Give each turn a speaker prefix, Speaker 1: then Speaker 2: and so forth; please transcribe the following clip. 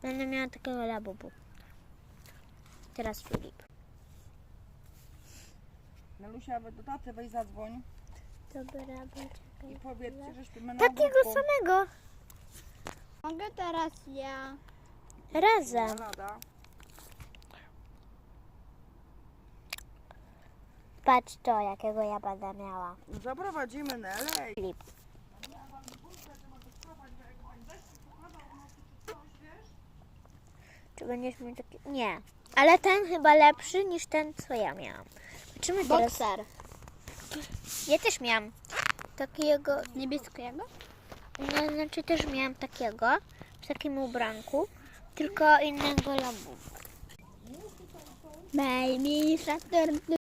Speaker 1: Będę miała takiego labubu. Teraz Filip.
Speaker 2: Nelusia, do taty weź zadzwoń
Speaker 1: Dobra,
Speaker 2: i powiedzcie, że śpimy na
Speaker 1: takiego
Speaker 2: ogródku.
Speaker 1: samego.
Speaker 3: Mogę teraz ja.
Speaker 1: Razem.
Speaker 2: Rada.
Speaker 1: Patrz to, jakiego ja będę miała.
Speaker 2: Zaprowadzimy Nelę.
Speaker 1: Filip. Czy będziesz miał taki... Nie. Ale ten chyba lepszy niż ten, co ja miałam. Zobaczymy teraz.
Speaker 3: Bokser.
Speaker 1: Ja też miałam takiego...
Speaker 3: Niebieskiego?
Speaker 1: No, znaczy też miałam takiego, w takim ubranku, tylko innego labubu.
Speaker 3: Baby Shark.